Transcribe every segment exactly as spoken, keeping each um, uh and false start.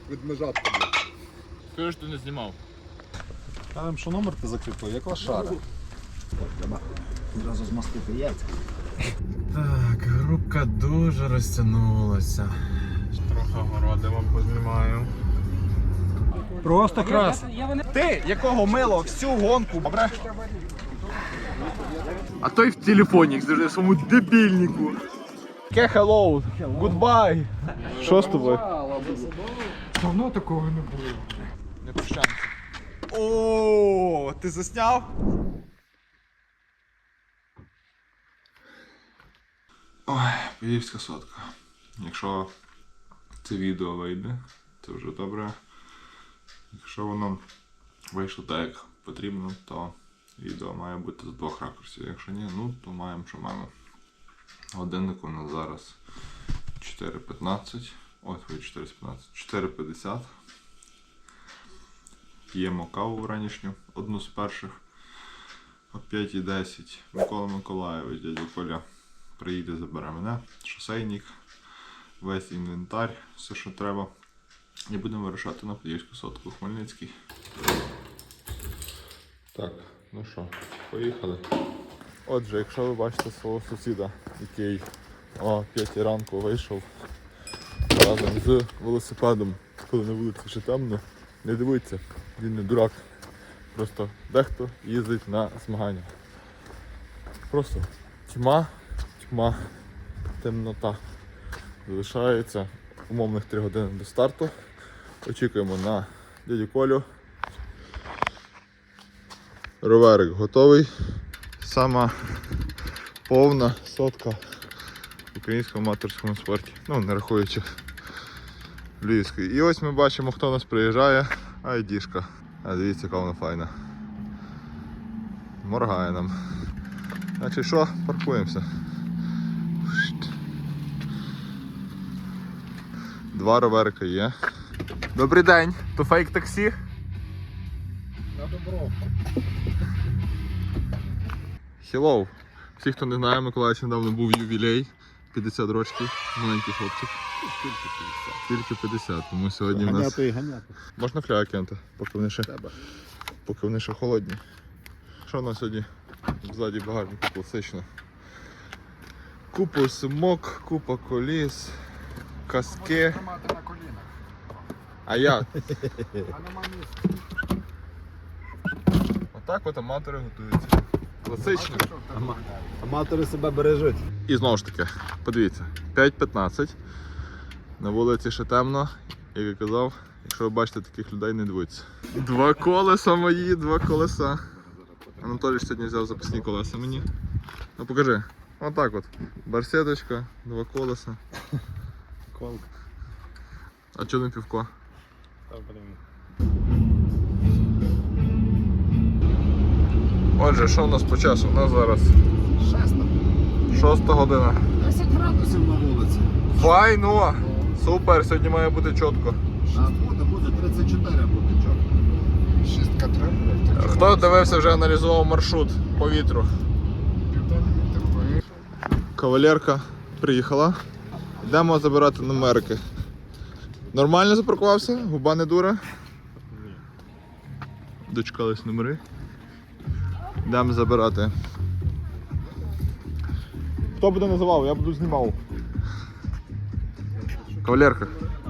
від межатка. Скажи, що ти не знімав. Кажемо, що номер ти закріпив, як лошара. Треба одразу змастити яйця. Так, групка дуже розтягнулася. Трохи городи вам познімаю. Просто крас. Ти, якого мило, всю гонку, добре? А той в телефоні, як завжди, в своєму дебільнику. Ке hello, goodbye. Що з тобою? Давно такого не було. Не прощаємося. О, ти засняв? Ой, Подільська сотка. Якщо це відео вийде, це вже добре. Якщо воно вийшло так, як потрібно, то відео має бути з двох ракурсів. Якщо ні, ну то маємо, що маємо. Годинник у нас зараз чотири п'ятнадцять. Ой, твої чотири п'ятнадцять. чотири п'ятдесят. П'ємо каву вранішню, одну з перших. О п'ятій десять Микола Миколаєвич, дядя Коля, приїде, забере мене, шосейник, весь інвентар, все, що треба. І будемо вирушати на Подільську сотку, Хмельницький. Так, ну що, поїхали. Отже, якщо ви бачите свого сусіда, який о п'ятій ранку вийшов разом з велосипедом, коли на вулиці ще темно, не дивіться, він не дурак. Просто дехто їздить на змагання. Просто тьма, тьма, темнота. Залишається умовних три години до старту. Очікуємо на дядю Колю. Роверик готовий. Сама повна сотка в українському аматорському спорті. Ну, не рахуючи львівської. І ось ми бачимо, хто у нас приїжджає. Айдішка. А дивіться, яка вона файна. Моргає нам. Значить що, паркуємося. Два роверика є. Добрий день, то фейк таксі? На Добровку. Hello. Всі, хто не знає, Миколаївич недавно був ювілей. п'ятдесят років, маленький хлопчик. Тільки п'ятдесят. Тільки п'ятдесят, тому сьогодні в нас... Ганяти і ганяти. Можна кляя кинути, поки вони ще, Треба. поки вони ще холодні. Що у нас сьогодні? Ззаді багажника класично. Купа сумок, купа коліс, каски. Тримати на колінах. А як? А нема місця. Отак от аматори готуються. Класично. Аматори себе бережуть. І знову ж таки, подивіться, п'ять п'ятнадцять. На вулиці ще темно, як я казав, якщо ви бачите таких людей, не дивіться. Два колеса мої, два колеса. Анатолій сьогодні взяв запасні колеса мені. Ну покажи. Отак от. Барсеточка, два колеса. Колка. А чого не півко? Отже, що у нас по часу? У нас зараз Шеста. шоста година. десять градусів на вулиці. Файно! Супер, сьогодні має бути чітко. Шість буде, буде тридцять чотири буде чорно. Шістка треба. Хто дивився, вже аналізував маршрут по вітру. Кавалерка приїхала. Йдемо забирати номерки. Нормально запаркувався? Губа не дура? Дочекались номери. Йдемо забирати. Хто буде називав? Я буду знімав. Кавалерка.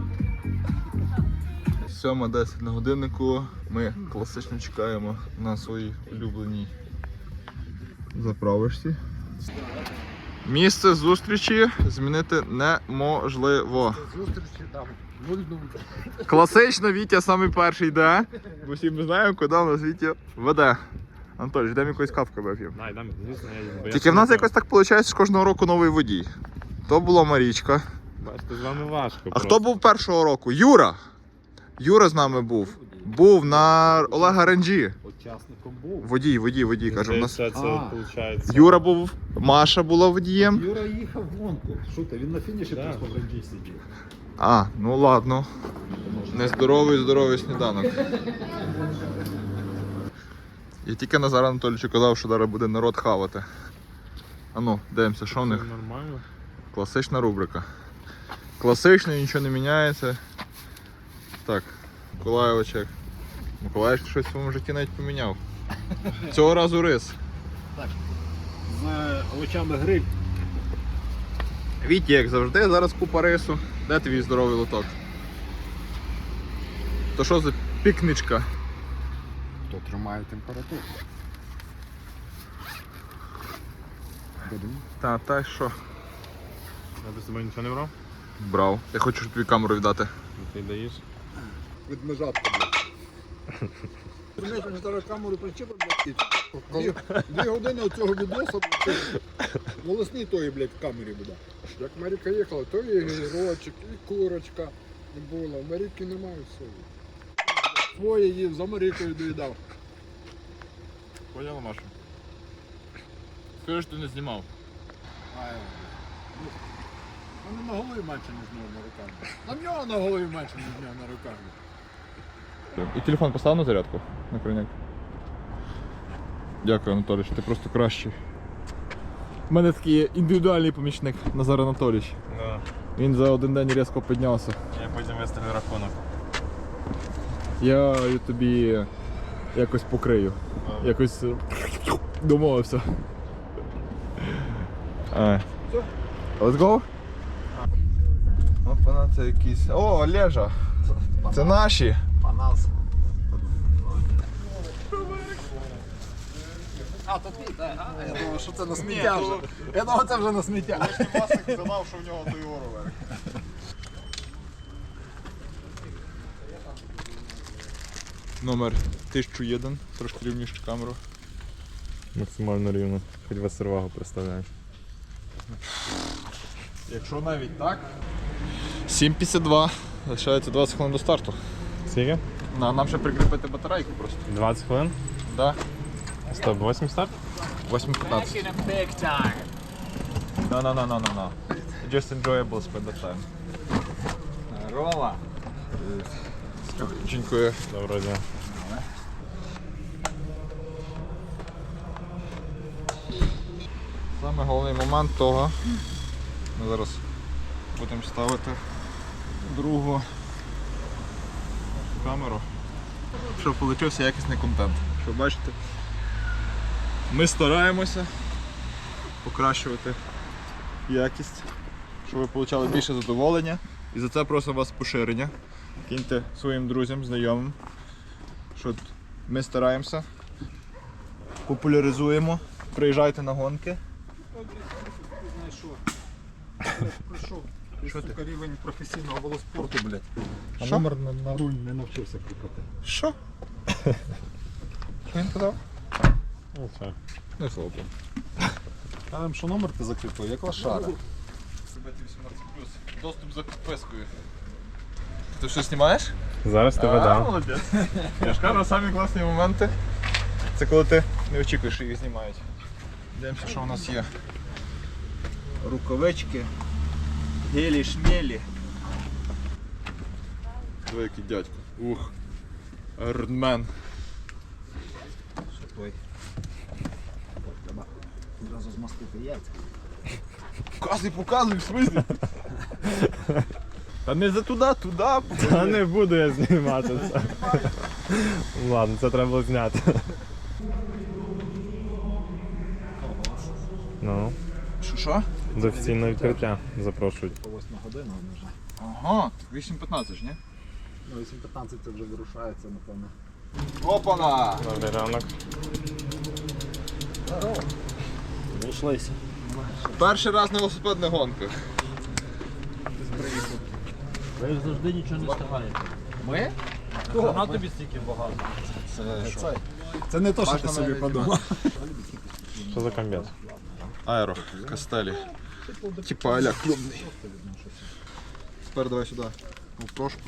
сьома десять на годиннику. Ми класично чекаємо на своїй улюбленій заправочці. Місце зустрічі змінити неможливо. Зустрічі там. Нуль-нуль. Класично Вітя самий перший йде. Бо всі ми знаємо, куди нас Вітя веде. Анатолій, йдемо якоюсь кавку вип'ємо. Тільки в нас якось так виходить, що кожного року новий водій. То була Марічка. Бачите, з вами важко. А хто був першого року? Юра! Юра з нами був. Був на Олега Ренджі. Учасником був. Водій, водій, водій, каже. У нас... Це, це, А. виходить. Юра був, Маша була водієм. Юра їхав в гонку. Що ти, він на фініші Да. просто в ренджі сидів. А, ну ладно. Нездоровий, здоровий сніданок. Я тільки Назар Анатолійовичу казав, що зараз буде народ хавати. А ну, дивимося, що в них. Нормально. Класична рубрика. Класично, нічого не міняється. Так, Миколайовичек. Миколаївич щось в своєму житті навіть поміняв. Цього разу рис. З овочами гриль. Вітя, як завжди, зараз купа рису. Де твій здоровий лоток? То що за пікничка? То тримає температуру. Будемо. Та, та й що? Я до себе нічого не брав? Брав. Я хочу тобі камеру віддати. Ти даєш? Відмежатка, блядь. Ти знаєш, зараз камеру причепив, блядь, і дві, дві години оцього відоса, блядь, волосні тої, блядь, в камері буде. Як Маріка їхала, то і гірочок, і курочка і була. В Маріки немає всього. Своє їв, за Марікою доїдав. Поняла, Маша? Скажи, що ти не знімав. А, ну, вони на голові менше, ніж в нього на руках. На нього на голові менше, ніж в нього на руках. І телефон постав на зарядку на крайняк. Дякую, Анатолійович, ти просто кращий. У мене такий є індивідуальний помічник Назар Анатолійович. Да. Він за один день різко піднявся. Я потім виставлю рахунок. Я тобі якось покрию. Якось е, домовився. А. Let's go? Опана, це якісь. О, Олежа! Це наші! Панас. А, то ти, так. Я думав, що це на сміття вже. Я думав, це вже на сміття. Власник задав, що в нього той ровер. Номер тисяча один, трошки рівніше камеру. Максимально рівно. Хоч вас сервагу представляєш. Якщо навіть так. сім п'ятдесят два. Лишається двадцять хвилин до старту. Скільки? На, нам ще прикріпити батарейку просто. двадцять хвилин? Да. сто вісім старт? восьмі п'ятнадцять. No, no, no, no, no, no. Just enjoyable spend the time. Рома. Дякую. Доброго дня. Саме головний момент того. Ми зараз будемо ставити другу камеру, щоб получився якісний контент. Щоб бачите, ми стараємося покращувати якість, щоб ви отримали більше задоволення. І за це просимо вас поширення. Киньте своїм друзям, знайомим, що ми стараємося, популяризуємо, приїжджайте на гонки. Прийшов. Що ти? Сука, рівень професійного велоспорту, блядь. А Що? номер на, на руль не навчився кріпати. Що? Що він казав? Ну все. Не хлопець. Кажем, що номер ти закріпив, як лошара. вісімнадцять плюс. Доступ за підпискою. Ти що знімаєш? Зараз тебе А, дам. молодець. Я ж кажу, самі класні моменти. Це коли ти не очікуєш, що їх знімають. Дивимося, що у нас є. Рукавички, гелі, шмелі. Диви, який дядько. Ух. Айронмен. Що той? Треба одразу змастити яйця. Показуй, показуй, в смислі. Та не за туди, туди. Та не буду я знімати це. Ладно, це треба було зняти. Ну, Що, що? до офіційного відкриття запрошують. По восьма година вже. Ага, так вісім п'ятнадцять, ні? Ну, вісім п'ятнадцять це вже вирушається, напевно. Опана! Добрий ранок. Вийшлися. Перший раз на велосипедних гонках. Ви ж завжди нічого не встигаєте. Ми? Вона тобі стільки багато. Це що? Це не то, що Бачно, ти собі навіть подумав. Що за комбез? Аеро, Кастелі. Типа аля клубний. Тепер давай сюди. Ну, трошку.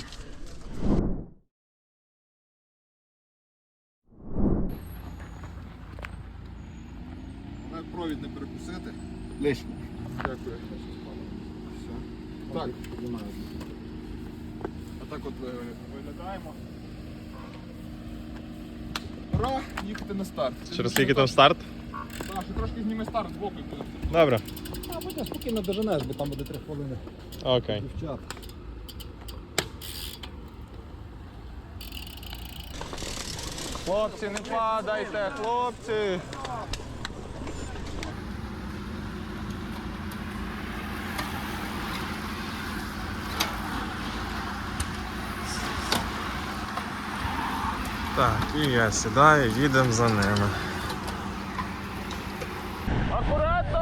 Навіть провід не перекусити. Лишнє. Дякую. Все. Так. Отак от ви- виглядаємо. Пора їхати на старт. Через скільки там старт? Так, ще трошки зніми старт з боку. Добре. А потім спокійно доженеш, бо там буде три хвилини. Окей. Дівчат. Хлопці, не падайте, хлопці! Так, і я сідаю, їдемо за ними. Акуратно!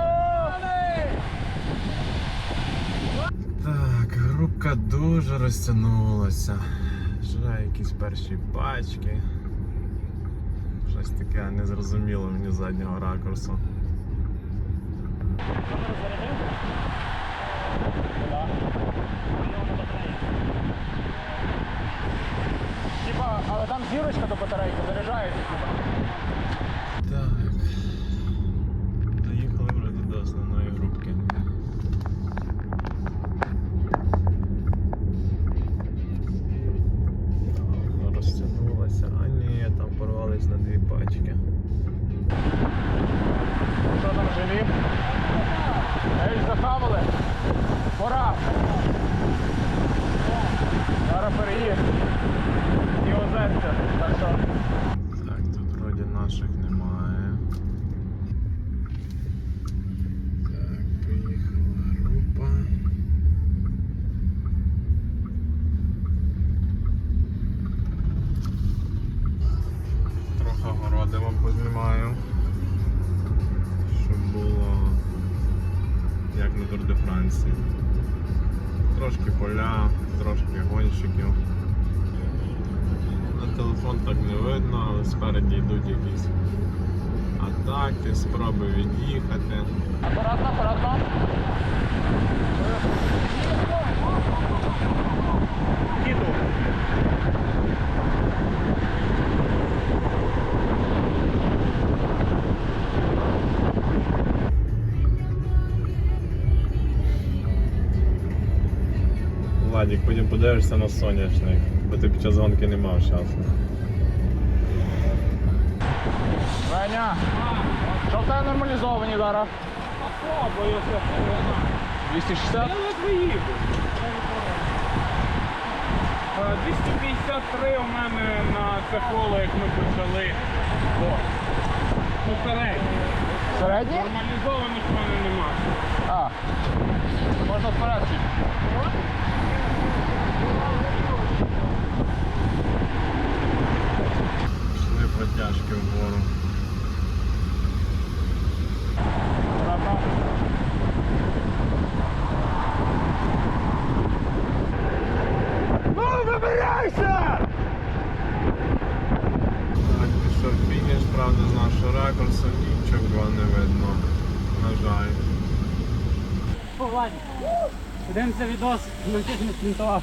Так, групка дуже розтягнулася. Вже якісь перші пачки. Щось таке незрозуміло мені з заднього ракурсу. Типа, але там зірочка до батарейки заряджається. Так. Доїхали вже до основної групки. Так, розтягнулася. А ні, там порвались на дві пачки. Що там живі? Ей, захавали. Пора. Зараз переїзд. І озерця. Так що. Так, тут вроді наших немає. Так, приїхала група. Трохи городи вам познімаю. Щоб було як на Тур де Франції. Трошки поля, трошки гонщиків. На телефон так не видно, але спереді йдуть якісь атаки, спроби від'їхати. Акуратно, акуратно. Кіду. Владик, потім подивишся на соняшник, бо ти під час гонки не мав часу. Веня, що в тебе нормалізовані зараз? двісті шістдесят? двісті п'ятдесят три у мене на це коло, як ми почали. О. Ну, середні. Середні? Нормалізованих в мене нема. А. Можна вперед. Пішли протяжки вгору. Акуратно. Ну, вибирайся! Так, пішов фініш, правда, з нашого ракурсу нічого не видно. На жаль. Подивимося відос, навчись не спринтувати.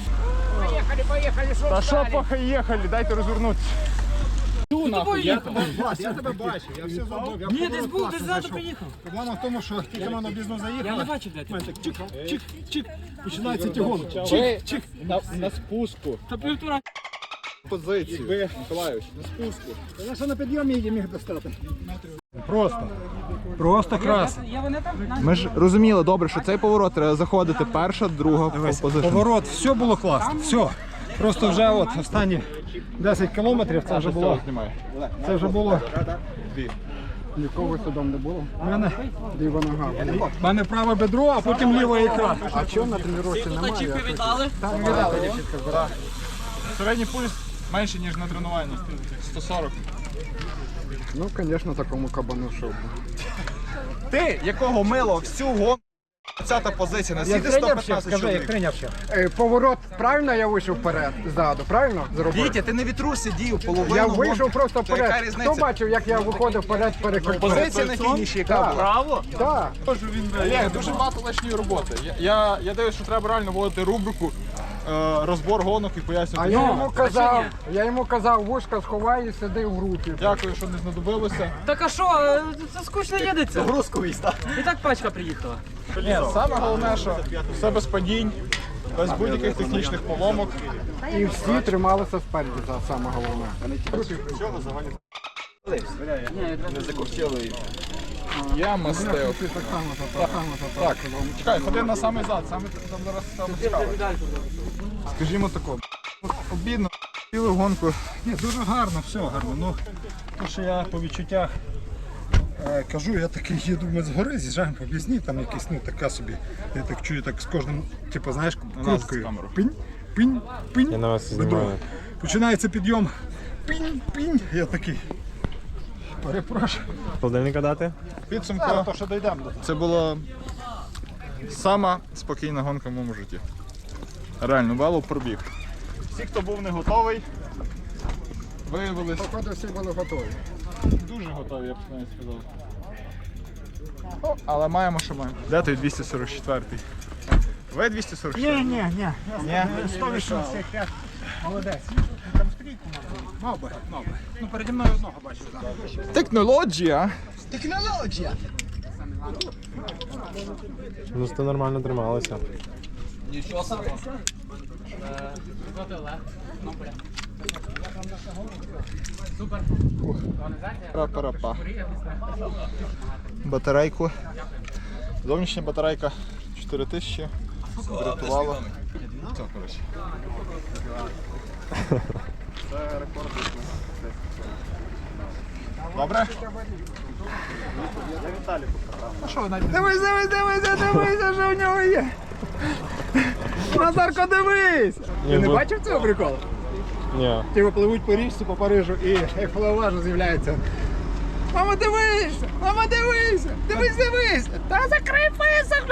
Та що поїхали, дайте розвернутися. Я тебе бачив, я все зробив. Ні, десь був, десь ззаду приїхав. Проблема в тому, що тільки воно бізнес Я заїхало. не бачив, блядь. Так, чик, чик, чик. Починається тягон. Чик, чик. На, на спуску. Та півтора. Позицію. Миколаївич, на спуску. Я ще на підйомі її міг достати. Просто. Просто крас. Я вони там? Ми ж розуміли добре, що цей поворот треба заходити перша, друга позиція. Поворот, все було класно, все. Просто вже от останні десять кілометрів це вже було. Це вже було. Нікого судом не було. У мене ліва нога. У мене праве бедро, а потім ліва ікра. А чого на тренувці немає? Чіпи віддали? Там віддали, дівчатка збирала. Середній пульс менше, ніж на тренуванні. сто сорок. Ну, звісно, такому кабану шоу. Ти, якого мило всю гонку, двадцята позиція, наскільки сто п'ятнадцять чоловік. Е, Поворот, правильно я вийшов вперед, ззаду, правильно зробив? Вітя, ти не в вітру сидів, половину Я гонки. вийшов просто То яка вперед. різниця? Хто бачив, як я виходив вперед перед Позиція на фініші, яка була? Право? Так. Олег, дуже багато лишньої роботи. Я, я, я дивлюсь, що треба реально вводити рубрику е, розбор гонок і А пояснювати. я Ну, йому казав, я йому казав, вушка сховай і сиди в групі. Дякую, що не знадобилося. Так а що, е, це скучно їдеться. Грузковий став. І так пачка приїхала. Ні, саме головне, що все без падінь, без будь-яких технічних поломок. І всі трималися спереді, це саме головне. Я мастив. Так само, так само, Так, чекай, ходи на самий зад, саме там зараз саме цікаве. Скажімо тако, обідно, Цілу гонку. Ні, дуже гарно, все гарно. Ну, то, що я по відчуттях е, кажу, я такий їду ми з гори, з'їжджаємо по пісні, там якісь, ну, така собі. Я так чую, так з кожним, типу, знаєш, крупкою. Пінь, пінь, пінь. Я на вас Веду. знімаю. Починається підйом. Пінь, пінь. Я такий. Перепрошую. Холодильника дати? Підсумку. То, що дійдемо до того. Це була сама спокійна гонка в моєму житті. Реально, вело пробіг. Всі, хто був не готовий, виявилися Походу всі були готові. дуже готові, я б навіть сказав. О, але маємо, що маємо. Де той двісті сорок четвертий? Ви двісті сорок четвертий? Ні, ні, ні. Ні? сто вісімдесят п'ять. Молодець. Там стрійку мав би. Мав би. Ну, переді мною одного бачив. Технологія. Технологія. Ну, це нормально трималося. Пара-пара-па. Батарейку. Зовнішня батарейка чотири тисячі. Врятувала. Все, коротше. Це рекорд. Добре? Дивись, дивись, дивися, дивися, що в нього є. Назарко, дивись! Ти не бо- бачив цього приколу? Ні. Типу пливуть по річці, по Парижу і як флаважу з'являється. Мама, дивись! Мама, дивись! Дивись, дивись! Та закрий писок!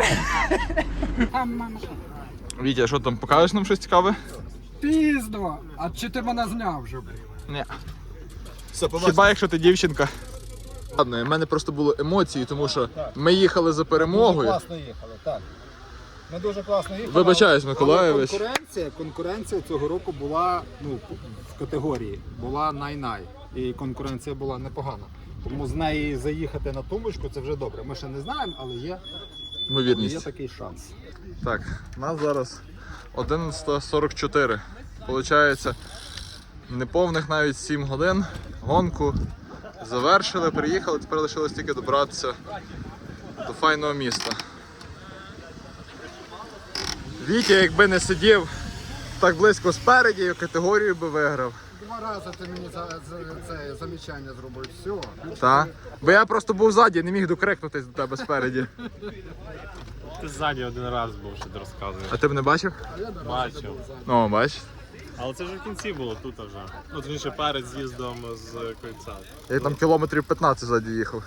Вітя, що там, покажеш нам щось цікаве? Піздо! А чи ти мене зняв вже, блін? Ні. Хіба якщо ти дівчинка? Ладно, в мене просто були емоції, тому що ми їхали за перемогою. Класно їхали, так. Ми дуже класно їхали. Вибачаюсь, але Миколайович. Конкуренція, конкуренція цього року була, ну, в категорії, була най-най. І конкуренція була непогана. Тому з неї заїхати на тумбочку це вже добре. Ми ще не знаємо, але є, є Ймовірність. такий шанс. Так, у нас зараз одинадцята сорок чотири. Получається, неповних навіть сім годин. Гонку завершили, приїхали, тепер лишилось тільки добратися до файного міста. Вітя, якби не сидів так близько спереді, категорію би виграв. Два рази ти мені за, за це замічання зробив. Все. Та? Бо я просто був ззаді, не міг докрикнутись до тебе спереді. Ти ззаді один раз був, що ти розказуєш. А ти б не бачив? Бачив. Ну, бач. Але це вже в кінці було тут вже. Ну, точніше, перед з'їздом з кольця. Я там кілометрів п'ятнадцять ззаді їхав.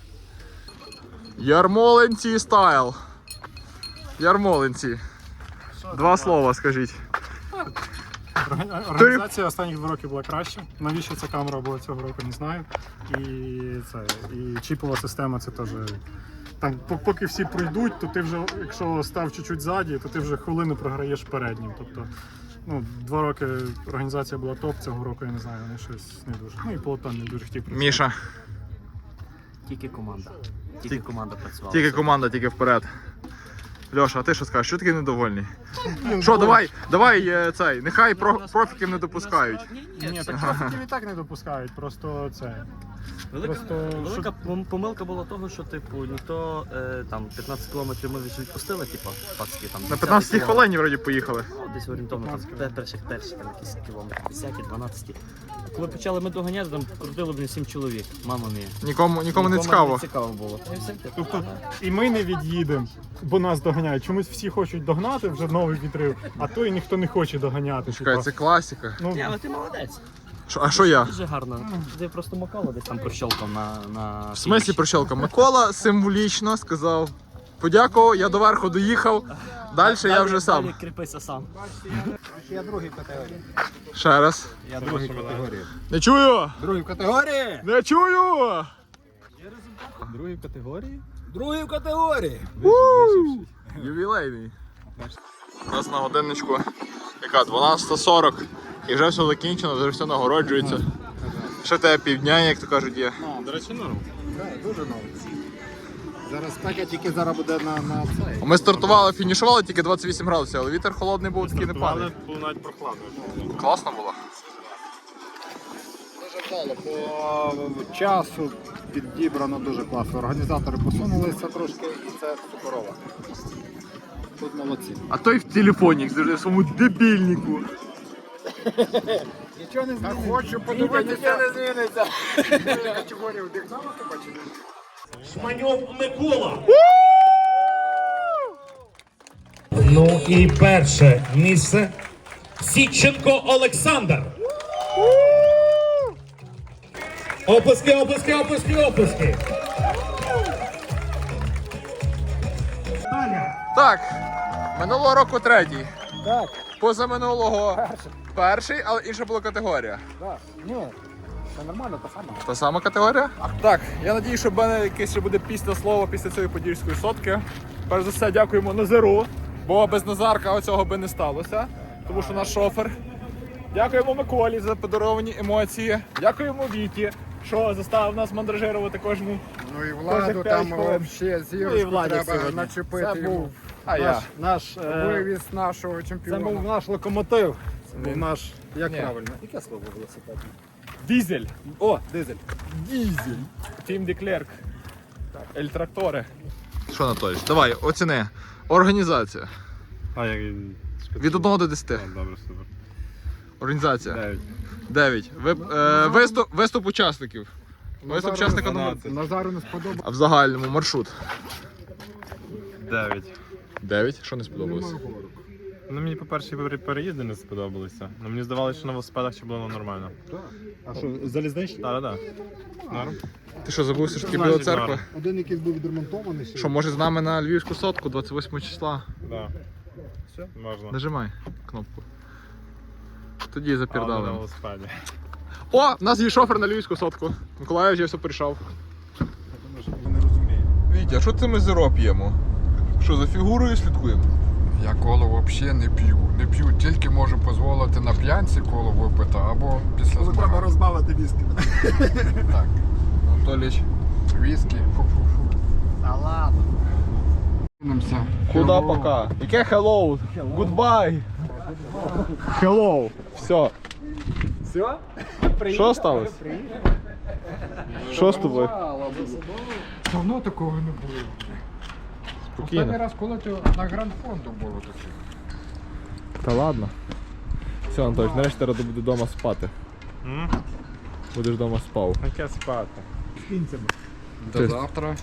Ярмолинці стайл. Ярмолинці. Два слова скажіть. Організація останніх два роки була краще. Навіщо ця камера була цього року, не знаю. І це і чіпова система це теж. Там по- поки всі пройдуть, то ти вже, якщо став чуть-чуть ззаді, то ти вже хвилину програєш переднім. Тобто, ну, два роки організація була топ, цього року я не знаю, вони щось не дуже. Ну і Полотон не дуже хотів працювати. Міша, Тільки команда. Тільки команда працювала. тільки команда, тільки вперед. Льоша, а ти що скажеш? Що такий недовольний? Що, давай, давай е, цей, нехай про, профіків не допускають. Ні, так трафіків і так не допускають, просто це. Велика, Просто, велика що- пом- помилка була того, що типу ніхто е, там п'ятнадцять кілометрів ми вже відпустили, типу, пацки там. На п'ятнадцятій хвилині вроді поїхали. Ну, десь орієнтовно там пе- перших перші там якісь кілометри, десяті, дванадцяті. Коли почали ми доганяти, там крутило блін сім чоловік. Мама мія. Нікому, нікому не цікаво. Не цікаво було. І все, типу, Тобто і ми не від'їдемо, бо нас доганяють. Чомусь всі хочуть догнати, вже новий відрив, а то і ніхто не хоче доганяти. Чекай, типа. це класика. Ну, Ні, але ти молодець. Що, а що я? Дуже гарно. Ти просто Макола десь там прощолкав на, на В смислі прощелка? Микола символічно сказав. Подякував, я доверху доїхав. Далі я вже сам. Далі кріпися сам. Я другий в категорії. Ще раз. Я другий в категорії. Не чую! Другий в категорії! Не чую! Другий в категорії! Ювілейний. У нас на годинничку яка дванадцята сорок і вже все закінчено, вже все нагороджується. Ще тебе півдня, як то кажуть, є. До речі, норм. Так, дуже новий. Зараз спека тільки зараз буде на, на цей. Ми стартували, фінішували тільки двадцять вісім градусів, але вітер холодний був, такий не Але падає. було навіть прохладно. Класно було. Дуже вдало, по часу підібрано дуже класно. Організатори посунулися трошки і це суперово. Тут молодці. А той в телефоні, завжди в своєму дебільнику. Нічого не зміниться. Хочу подивитися. Нічого не зміниться. Категорію вдихнула, ти бачиш? Шманьов Микола. Ну і перше місце Січенко Олександр. Оплески, оплески, оплески, оплески. Так, минулого року третій. Так. Позаминулого перший, але інша була категорія. Так. Ні, це нормально, та сама. Та сама категорія? Так, я надію, що в мене якесь ще буде після слова після цієї подільської сотки. Перш за все, дякуємо Назару, бо без Назарка оцього би не сталося, тому що наш шофер. Дякуємо Миколі за подаровані емоції. Дякуємо Віті, що заставив нас мандражирувати кожну. Ну і Кожних владу п'ять там хвилин. взагалі Ну і Владі треба сьогодні. начепити Це йому. був а я. Наш, е, Вивіз нашого це чемпіона. був наш локомотив. Це був Він- наш, як Ні. правильно? Яке слово велосипедне? Дізель. О, дизель. Дізель. Тім Деклерк. Ель Трактори. Що, Анатолій, давай, оціни. Організація. А, як... Від одного до десяти. Добре, супер. Організація. Дев'ять. дев'ять. Ви, е, виступ, виступ учасників. Виступ учасника номер. Назару не сподобалося. А в загальному маршрут. Дев'ять. дев'ять. Що не сподобалось? Ну мені по-перше пере- переїзди не сподобалися. Ну мені здавалося, що на велосипедах ще було нормально. А що, залізничний? Так, так, так. Норм. Ти що, забув, що таке Значить, Біла церква? норм. Один якийсь був відремонтований. ще. Що, може з нами на Львівську сотку двадцять восьмого числа? Да. Все? Можна. Нажимай кнопку. Тоді Але не на запірдали. велосипеді. О, в нас є шофер на Львівську сотку. Миколаїв вже все прийшов. Вітя, а що це ми зеро п'ємо? Що, за фігурою слідкуємо? Я коло взагалі не п'ю. Не п'ю, тільки можу дозволити на п'янці коло випити або після Коли треба змагань. розбавити віскі. Так, Анатоліч. віскі. Фу-фу-фу. Та ладно. Кинемося. Куда пока? Яке hello? Goodbye. Hello. Все. Все? Що сталося? Що з тобою? Давно такого не було. Останній Спокійно. раз, коли ти на Гранд-фонду було таке. Та ладно. Все, Анатолій, нарешті треба буде вдома спати. М? Будеш вдома спав. Яке спати? До завтра.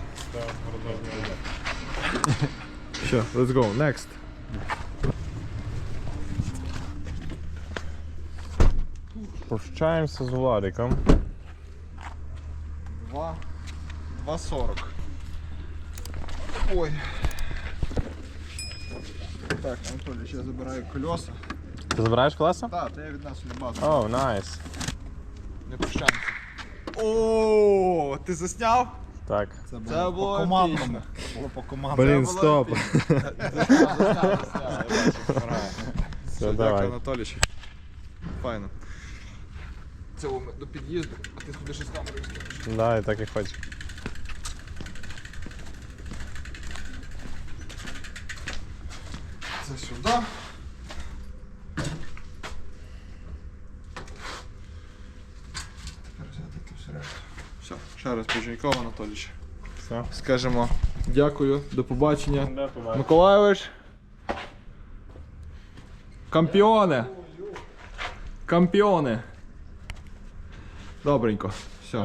Все, let's go, next. Прощаємося з Владиком. два, два сорок. Ой. Так, Анатолій, ще забираю колеса. Ти забираєш колеса? Так, то я віднесу на базу. О, найс. Не прощаємося. О, ти засняв? Так. Це було командному. Було по команді. Блін, стоп. Все, давай. дякую, Анатолійович. Файно. Це ми до під'їзду, а ти сюди ще з камерою скинеш. Да, і так і хочу. Це сюди. Тепер взяти ту всередину. Все, ще раз Поженьков Анатолійович. Все. Скажемо дякую, до побачення. Де побачиш? Миколайович. Кампіони. Кампіони. Добренько. Все.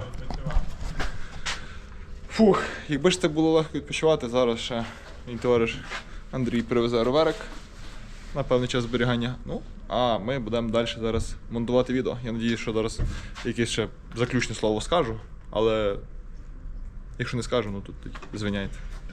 Фух, якби ж так було легко відпочивати, зараз ще мій товариш Андрій привезе роверик на певний час зберігання. Ну, а ми будемо далі зараз монтувати відео. Я сподіваюся, що зараз якесь ще заключне слово скажу, але якщо не скажу, ну тут тоді звиняйте.